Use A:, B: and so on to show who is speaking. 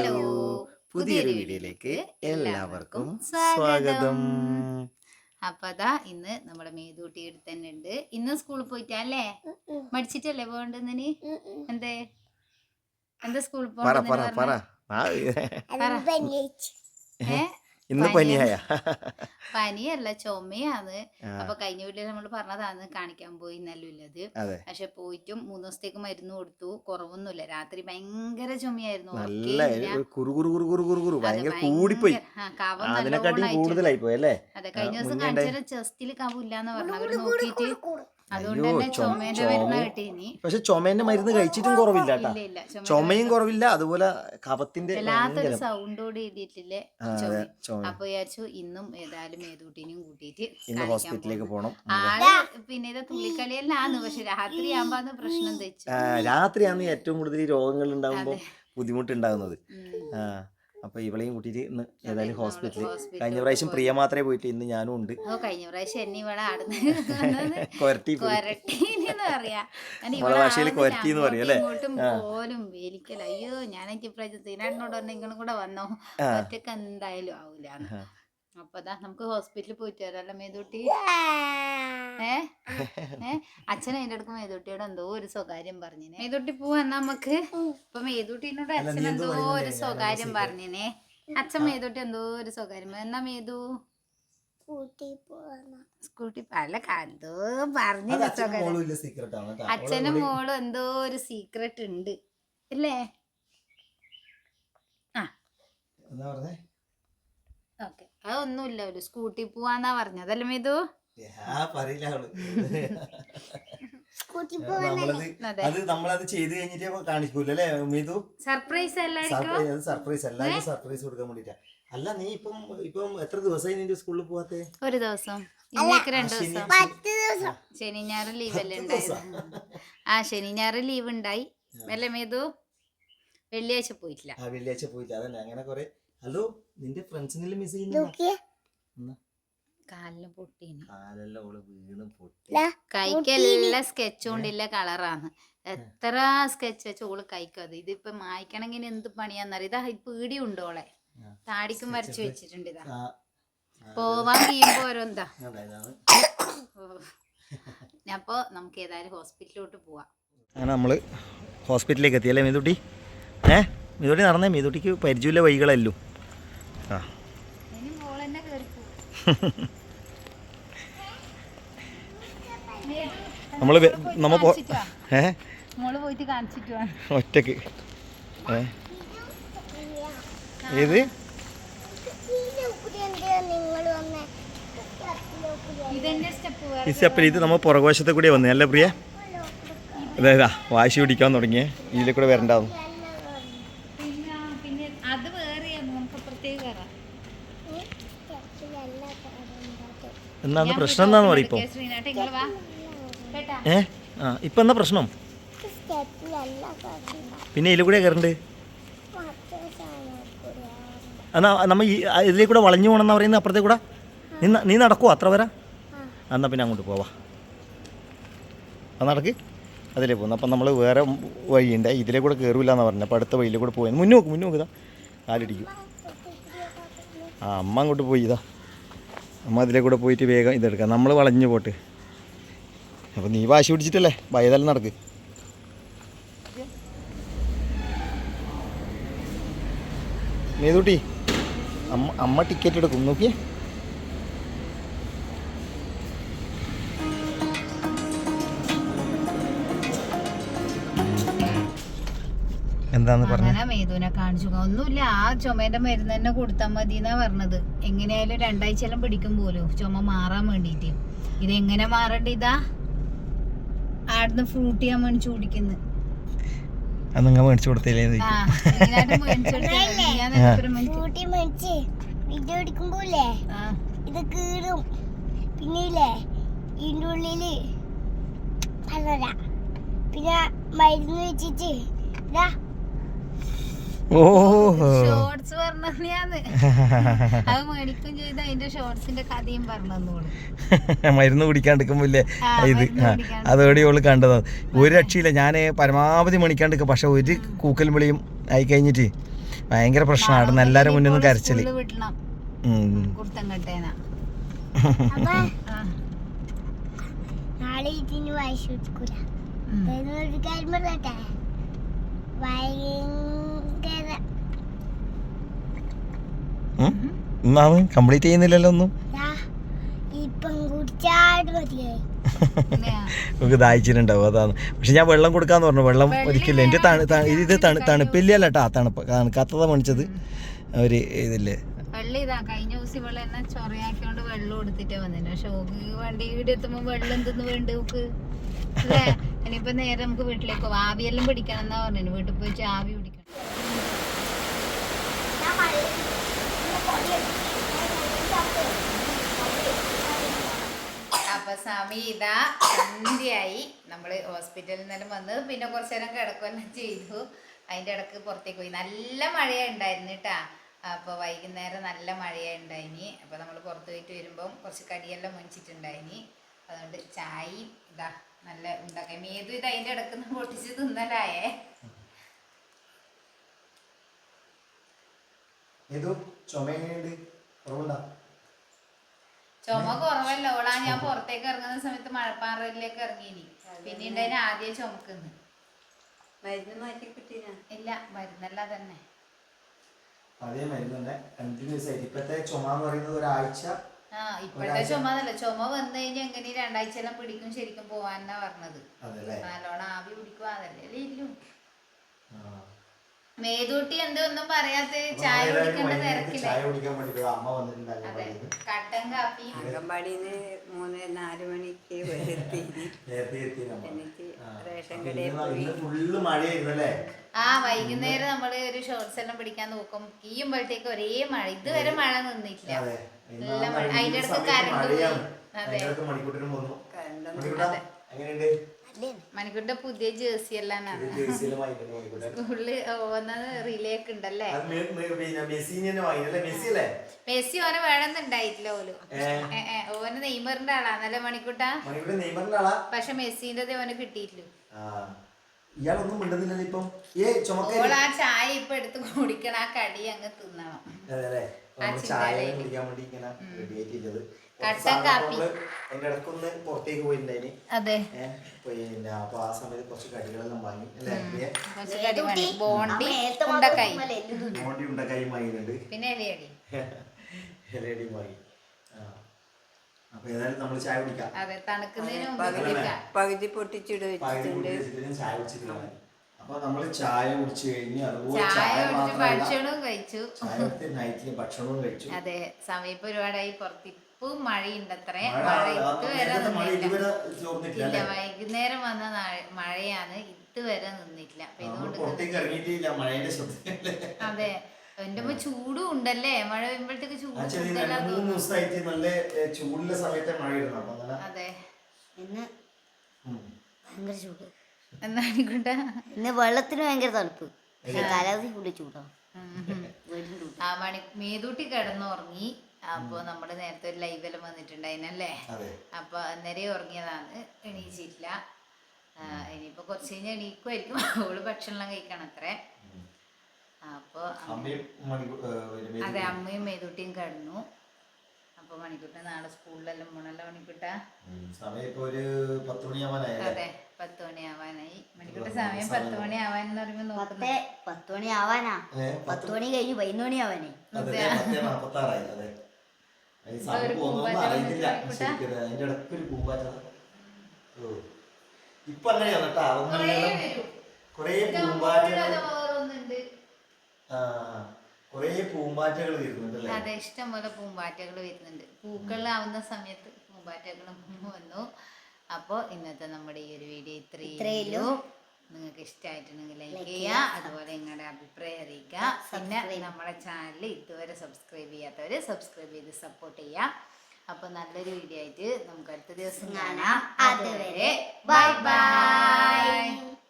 A: Hello, പുതിയൊരു വീഡിയോയിലേക്ക് എല്ലാവർക്കും സ്വാഗതം. അപ്പൊ അതാ ഇന്ന് നമ്മുടെ മേതൂട്ടി അടുത്ത് തന്നെ ഉണ്ട്. ഇന്ന് സ്കൂളിൽ പോയിട്ടല്ലേ മടിച്ചിട്ടല്ലേ പോകണ്ടെന്നിന്? എന്തേ എന്താ സ്കൂളിൽ പോകണ്ട?
B: ഇന്ന് പനിയായ
A: പനിയല്ല, ചുമയാണ്. അപ്പൊ കഴിഞ്ഞ വീട്ടിൽ നമ്മൾ പറഞ്ഞതാണ് കാണിക്കാൻ പോയി നല്ലുള്ളത്. പക്ഷെ പോയിട്ടും 3 ദിവസത്തേക്ക് മരുന്ന് കൊടുത്തു, കുറവൊന്നുമില്ല. രാത്രി ഭയങ്കര ചുമയായിരുന്നു. അതെ, കഴിഞ്ഞ ദിവസം കാണിച്ചാൽ ചെസ്റ്റില് കവില്ലാന്ന് പറഞ്ഞു. അവര് നോക്കിയിട്ട് അതുകൊണ്ട് തന്നെ ചുമേന്റെ മരുന്ന് കിട്ടീനി.
B: പക്ഷെ ചുമേന്റെ മരുന്ന് കഴിച്ചിട്ടും കുറവില്ല, ചുമയും കുറവില്ല, അതുപോലെ കഫത്തിന്റെ
A: വല്ലാത്തൊരു സൗണ്ടോട് എഴുതിയിട്ടില്ലേ ചുമ. അപ്പൊ വിചാരിച്ചു ഇന്നും ഏതായാലും മേതൂട്ടിനെയും കൂട്ടിയിട്ട്
B: ഹോസ്പിറ്റലിലേക്ക് പോകണം.
A: ആള് പിന്നെ ഇത് തുള്ളിക്കളിയെല്ലാന്ന്. പക്ഷെ രാത്രി ആകുമ്പോ പ്രശ്നം തെച്ചു.
B: രാത്രിയാണ് ഏറ്റവും കൂടുതൽ രോഗങ്ങൾ ഉണ്ടാകുമ്പോ ബുദ്ധിമുട്ടുണ്ടാകുന്നത്. അപ്പൊ ഇവളെയും കൂട്ടിട്ട് ഇന്ന് ഏതായാലും ഹോസ്പിറ്റലിൽ. കഴിഞ്ഞ പ്രാവശ്യം പ്രിയ മാത്രമേ പോയിട്ട്, ഇന്ന് ഞാനും ഉണ്ട്.
A: കഴിഞ്ഞ പ്രാവശ്യം എന്നെ ഇവിടെ ഇങ്ങോട്ടും പോലും വേലിക്കല. അയ്യോ, ഞാനെനിക്ക് ഇപ്രാവശ്യം സീനാടിനോട് പറഞ്ഞ ഇങ്ങളും കൂടെ വന്നോ, ഒറ്റക്ക് എന്തായാലും ആവൂല. അപ്പതാ നമുക്ക് ഹോസ്പിറ്റലിൽ പോയിട്ട് വരാല്ലോ മേതൂട്ടി. അച്ഛൻ അതിന്റെ അടുക്ക് മേതൂട്ടിയോട് എന്തോ ഒരു സ്വകാര്യം പറഞ്ഞിനെ. മേതൂട്ടി പോവാ നമുക്ക്. ഇപ്പൊ മേതൂട്ടിനോട് അച്ഛൻ എന്തോ ഒരു സ്വകാര്യം പറഞ്ഞിനെ. അച്ഛൻ മേതൂട്ടി എന്തോ ഒരു സ്വകാര്യം. എന്നാ മേതു സ്കൂട്ടി അല്ല എന്തോ പറഞ്ഞില്ല സ്വകാര്യം. അച്ഛനും മോളും എന്തോ ഒരു സീക്രട്ട് ഉണ്ട് അല്ലേ? ഓക്കെ, അതൊന്നുമില്ല. ഒരു സ്കൂട്ടി പോവാന്നാ പറഞ്ഞതല്ലേ മേതു?
B: നമ്മളത് ചെയ്ത് കഴിഞ്ഞിട്ട് കാണിക്കൂലേ മേതു?
A: സർപ്രൈസ്
B: സർപ്രൈസ് കൊടുക്കാൻ വേണ്ടിട്ടാ. അല്ല, നീ ഇപ്പം എത്ര ദിവസമായി നിന്റെ സ്കൂളിൽ പോവാത്തെ?
A: ഒരു ദിവസം, ഇന്നേക്ക് 2 ദിവസം. ശനി ഞായർ ലീവ് അല്ലേ ഉണ്ടായത്? ശനി ഞായർ ലീവ് ഉണ്ടായി അല്ലേ മേതു? വെള്ളിയാഴ്ച പോയിട്ടില്ല.
B: അതന്നെ. അങ്ങനെ കൊറേ. ഹലോ, നിന്റെ ഫ്രണ്ട്സിനെല്ലാം മിസ് ചെയ്യുന്നു.
A: കാലിന് പൊട്ടീന്,
B: വീണ്
A: കൈക്കെല്ലാം സ്കെച്ച് കൊണ്ടില്ല കളറാണ്. എത്ര സ്കെച്ച് വെച്ച ഓള് കൈക്കത്. ഇതിപ്പൊ മായ്ക്കണമെങ്കിൽ എന്ത് പണിയാന്നറിയ. ഇതാ പീടി ഉണ്ടോളെ, താടിക്കും വരച്ചു വെച്ചിട്ടുണ്ട്. ഇതാ പോവാൻ കഴിയുമ്പോ ഓരോന്താ. അപ്പൊ നമുക്ക് ഏതായാലും ഹോസ്പിറ്റലിലോട്ട് പോവാം.
B: അങ്ങനെ നമ്മള് ഹോസ്പിറ്റലിലേക്ക് എത്തിയല്ലേ മേതൂട്ടി? മേതൂട്ടി നടന്നേ. മേതൂട്ടിക്ക് പരിചയമില്ല വഴികളല്ലോ. ഒറ്റക്ക് ഏത് ഈ സ്റ്റെപ്പിൽ ഇത് നമ്മൾ പുറകുവശത്തെ കൂടെ വന്നേ അല്ലേ പ്രിയ? അതായതാ വാശി പിടിക്കാൻ തുടങ്ങിയേ. ഇതിലെ കൂടെ വരണ്ടാവും. എന്നാന്ന് പ്രശ്നം എന്താന്ന് പറയും ഇപ്പൊ? ഇപ്പൊ എന്താ പ്രശ്നം? പിന്നെ ഇതിൽ കൂടെ കയറണ്ട്. എന്നാ നമ്മ ഇതിലേ കൂടെ വളഞ്ഞു പോകണമെന്നാ പറയുന്നത്. അപ്പുറത്തേ കൂടെ നീ നടക്കുവോ അത്ര വരെ? എന്നാ പിന്നെ അങ്ങോട്ട് പോവാ. അത് നടക്ക്, അതിലേ പോകുന്നു. അപ്പം നമ്മൾ വേറെ വഴിയുണ്ട്, ഇതിലേ കൂടെ കയറില്ല എന്നാണ് പറഞ്ഞത്. അപ്പോൾ അടുത്ത വഴിയിലേ കൂടെ പോയി മുന്നോക്ക് ഇതാ കാലിടിക്കും. അമ്മ അങ്ങോട്ട് പോയി. ഇതാ അമ്മ അതിലേ കൂടെ പോയിട്ട് വേഗം ഇതെടുക്കാം. നമ്മൾ വളഞ്ഞു പോട്ട്. അപ്പോൾ നീ വാശി പിടിച്ചിട്ടല്ലേ ഭയതല്ല നടക്ക്. മേതൂട്ടി, അമ്മ ടിക്കറ്റ് എടുക്കും, നോക്കിയേ. എന്താന്ന് പറഞ്ഞ
A: മേതുവിനെ കാണിച്ചു. ഒന്നുമില്ല, ആ ചുമേന്റെ മരുന്ന് തന്നെ കൊടുത്താൽ മതി എന്നാ പറഞ്ഞത്. എങ്ങനെയായാലും 2 ആഴ്ചയെല്ലാം പിടിക്കും പോലും ചുമ മാറാൻ വേണ്ടിട്ട്. ഇതെങ്ങനെ മാറണ്ട? ഇതാ ആടുന്ന് ഫ്രൂട്ട് ഞാൻ മേടിച്ചു കുടിക്കുന്നു.
B: മേടിച്ചു കൊടുത്തില്ലേ?
C: ഇത് കീറും. പിന്നെ ഇതിൻ്റെ ഉള്ളില് പിന്നെ മരുന്ന് വെച്ചിട്ട്
A: ഷോർട്സ് പറഞ്ഞാന്ന് അത് മേടിക്കും ചെയ്ത് അതിന്റെ ഷോർട്സിന്റെ കഥയും പറഞ്ഞു.
B: മരുന്ന് കുടിക്കാണ്ടിരിക്കുമ്പോലെ ഇത് അതോടെ ഓള് കണ്ടതാണ്. ഒരു രക്ഷയില്ല. ഞാൻ പരമാവധി മണിക്കാണ്ടിരിക്കുക. പക്ഷെ ഒരു കൂക്കൽ വിളിയും ആയി കഴിഞ്ഞിട്ട് ഭയങ്കര പ്രശ്നമാണ് എല്ലാരും മുന്നിൽ നിന്ന് കരച്ചില്.
A: സ്കൂളില് വിടണം കുർത്തങ്കട്ടേനാ.
C: അപ്പൊ നാളെ ഇതിന് വായിച്ചു കൊടുക്കൂല. ഒരു കാര്യം പറയട്ടെ, ഭയങ്കര
B: കംപ്ലീറ്റ് ചെയ്യുന്നില്ലല്ലോ ഒന്നും.
C: ഇപ്പം കുടിച്ചാട് മതിയായി.
B: നമുക്ക് ദാഹിച്ചിട്ടുണ്ടാവും അതാണ്. പക്ഷെ ഞാൻ വെള്ളം കൊടുക്കാന്ന് പറഞ്ഞു. വെള്ളം ഒരിക്കലും എൻ്റെ ഇത് തണുപ്പില്ലല്ലോ കേട്ടോ. തണുക്കാത്തതാ മേടിച്ചത് ഒരു ഇതില്ലേ.
A: വെള്ളം ഇതാ കഴിഞ്ഞ ദിവസം ഇവളെ എന്നെ ചൊറയാക്കിയോണ്ട് വെള്ളം കൊടുത്തിട്ടേ വന്നില്ല. പക്ഷെ വണ്ടി വീട് എത്തുമ്പോ വെള്ളം എന്തെന്ന് വേണ്ട നോക്ക് അല്ലേ. ഇനിയിപ്പോ നേരെ നമുക്ക് വീട്ടിലേക്ക് പോവാം. ആവിയെല്ലാം പിടിക്കണം എന്നാ പറഞ്ഞു. വീട്ടിൽ പോയിട്ട് ആവി പിടിക്കണം. അപ്പൊ സമയം ഇതാ സന്ധ്യയായി. നമ്മള് ഹോസ്പിറ്റലിൽ നിന്നെല്ലാം വന്ന് പിന്നെ കുറച്ചു നേരം കിടക്കുകയെല്ലാം ചെയ്തു. അതിന്റെ ഇടക്ക് പുറത്തേക്ക് പോയി. നല്ല മഴയുണ്ടായിരുന്നു കേട്ടാ. അപ്പോൾ വൈകുന്നേരം നല്ല മഴയുണ്ടായിനി. അപ്പോൾ നമ്മൾ പുറത്ത് പോയിട്ട് വരുമ്പം കുറച്ച് കടിയെല്ലാം മേടിച്ചിട്ടുണ്ടായിനി. അതുകൊണ്ട് ചായയും ഇതാ നല്ല ഉണ്ടാക്കാം. മേതു ഇത് അതിൻ്റെ ഇടക്ക് പൊട്ടിച്ച് തിന്നലായേ. ചുമ കുറവല്ല ഓളാ. ഞാൻ പുറത്തേക്ക് ഇറങ്ങുന്ന സമയത്ത് മഴപ്പാറയിലേക്ക് ഇറങ്ങിയിനി. പിന്നെ ഉണ്ടായിന് ആദ്യം ചുമക്കുന്നു.
D: മരുന്ന് മാറ്റി കിട്ടിയ
A: ഇല്ല, മരുന്നല്ല തന്നെ.
B: അതേ മരുന്ന് തന്നെ കണ്ടിന്യൂസ് ആയിട്ട്. ഇപ്പത്തെ ചുമ എന്ന് പറയുന്നത് ഒരാഴ്ച.
A: ഇപ്പോഴത്തെ ചുമ എന്നല്ല, ചുമ വന്നു കഴിഞ്ഞാൽ എങ്ങനെ 2 ആഴ്ചയെല്ലാം പിടിക്കും ശരിക്കും പോവാന്നാ പറഞ്ഞത്. നല്ലോണം ആവി പിടിക്കുക അതല്ലേ ഇല്ലു. മേതൂട്ടി എന്തോ ഒന്നും പറയാത്ത ചായ കുടിക്കേണ്ട തിരക്കില്ല. അതെ, കട്ടൻ കാപ്പി.
D: അംഗൻവാടിന്ന് 3-4 മണിക്ക് എനിക്ക് റേഷൻ കടയിൽ പോയി.
A: വൈകുന്നേരം നമ്മള് ഒരു ഷോർട്സ് എല്ലാം പിടിക്കാൻ നോക്കും. ഈയുമ്പോഴത്തേക്ക് ഒരേ മഴ. ഇതുവരെ മഴ നിന്നിട്ടില്ല. നല്ല മഴ. അതിന്റെ അടുത്ത് കരണ്ട് പോയി. അതെ, മണിക്കൂറിന്റെ പുതിയ ജേഴ്സി എല്ലാം സ്കൂളില് പോകുന്നത് റിലേക്ക് ഉണ്ടല്ലേ. മെസ്സി ഓനെ വേണമെന്നുണ്ടായിട്ടില്ല. ഓന് നെയ്മറിന്റെ ആളാന്നല്ലേ മണിക്കൂട്ടാ. പക്ഷെ മെസ്സിന്റെ ഓന് കിട്ടിയിട്ടില്ല. ഓൾ ആ ചായ ഇപ്പൊ എടുത്ത് കുടിക്കണം. ആ കടി അങ്ങ് തിന്നണം. കട്ടൻ കാപ്പി.
B: പുറത്തേക്ക് പോയിട്ടുണ്ടായിന്.
A: അതെ,
B: പിന്നെ അപ്പൊ ആ സമയത്ത് കുറച്ച് കടികളെല്ലാം വാങ്ങി.
A: ബോണ്ടി ഉണ്ടക്കായി
B: വാങ്ങിയിട്ടുണ്ട്.
A: പിന്നെ ഇലയടി
B: വാങ്ങി. അപ്പൊ ഏതായാലും നമ്മള് ചായ കുടിക്കാം.
A: അതെ, തണുക്കുന്നതിന്
D: പകുതി പൊട്ടിച്ചിട്ട് വെച്ചിട്ടുണ്ട്.
B: ചായ കുടിച്ചിട്ടില്ല. അപ്പൊ നമ്മള് ചായ കുടിച്ചു കഴിഞ്ഞ് അതുപോലെ
A: ഭക്ഷണവും കഴിച്ചു.
B: നൈറ്റില് ഭക്ഷണവും കഴിച്ചു.
A: അതെ, സമയം ഇപ്പൊ ഒരുപാടായി. പുറത്ത് ഇപ്പം മഴയുണ്ട്. അത്രേ മഴ ഇതുവരെ നിന്നില്ല. വൈകുന്നേരം വന്ന മഴയാണ്. ഇതുവരെ നിന്നിട്ടില്ല. അതെ, എന്റെ ചൂടും ഉണ്ടല്ലേ. മഴ വരുമ്പോഴത്തേക്ക് ചൂട്
B: ചൂടുള്ള സമയത്തെ മഴ.
A: അതെ,
C: ഇന്ന് ഭയങ്കര ചൂട്.
A: എന്നായിക്കോട്ടെ.
C: ഇന്ന് വെള്ളത്തിന് ഭയങ്കര തണുപ്പ്. കാലാവധി കൂടി ചൂടാ.
A: മേതൂട്ടി കിടന്നുറങ്ങി. അപ്പൊ നമ്മള് നേരത്തെ ഒരു ലൈവെല്ലാം വന്നിട്ടുണ്ടായിനല്ലേ. അപ്പൊ അന്നേരം ഉറങ്ങിയതാണ്. എണീച്ചിട്ടില്ല. ഇനിയിപ്പോ കുറച്ച് കഴിഞ്ഞാൽ എണീക്കുമായിരിക്കും. അവള് ഭക്ഷണം കഴിക്കണം അത്രേ. അപ്പൊ അതെ, അമ്മയും മേതൂട്ടിയും കിടന്നു. അപ്പൊ മണിക്കൂട്ട നാളെ സ്കൂളിലെല്ലാം പോണല്ലോ മണിക്കൂട്ട. അതെ, 10 മണിയാവാനായി. മണിക്കൂട്ട സമയം 10 മണിയാവാനെന്ന് പറയുമ്പോ നോക്കുന്നത്
C: 10 മണി ആവാനാ. 10 മണി കഴിഞ്ഞു 11 മണി ആവാനേ.
B: ഇപ്പൊ അങ്ങനെയാണ് കേട്ടാ. കൊറേ പൂമ്പാറ്റകൾ വരുന്നുണ്ട്.
A: അതെ, ഇഷ്ടംപോലെ പൂമ്പാറ്റകൾ വരുന്നുണ്ട്. പൂക്കളാവുന്ന സമയത്ത് പൂമ്പാറ്റകളും വന്നു. അപ്പോൾ ഇന്നത്തെ നമ്മുടെ ഈ ഒരു വീഡിയോ ഇത്രയേ. നിങ്ങൾക്ക് ഇഷ്ടമായിട്ടുണ്ടെങ്കിൽ ലൈക്ക് ചെയ്യുക. അതുപോലെ നിങ്ങളുടെ അഭിപ്രായം അറിയിക്കുക. പിന്നെ നമ്മുടെ ചാനൽ ഇതുവരെ സബ്സ്ക്രൈബ് ചെയ്യാത്തവർ സബ്സ്ക്രൈബ് ചെയ്ത് സപ്പോർട്ട് ചെയ്യുക. അപ്പോൾ നല്ലൊരു വീഡിയോ ആയിട്ട് നമുക്ക് അടുത്ത ദിവസം കാണാം. അതുവരെ ബൈ ബൈ.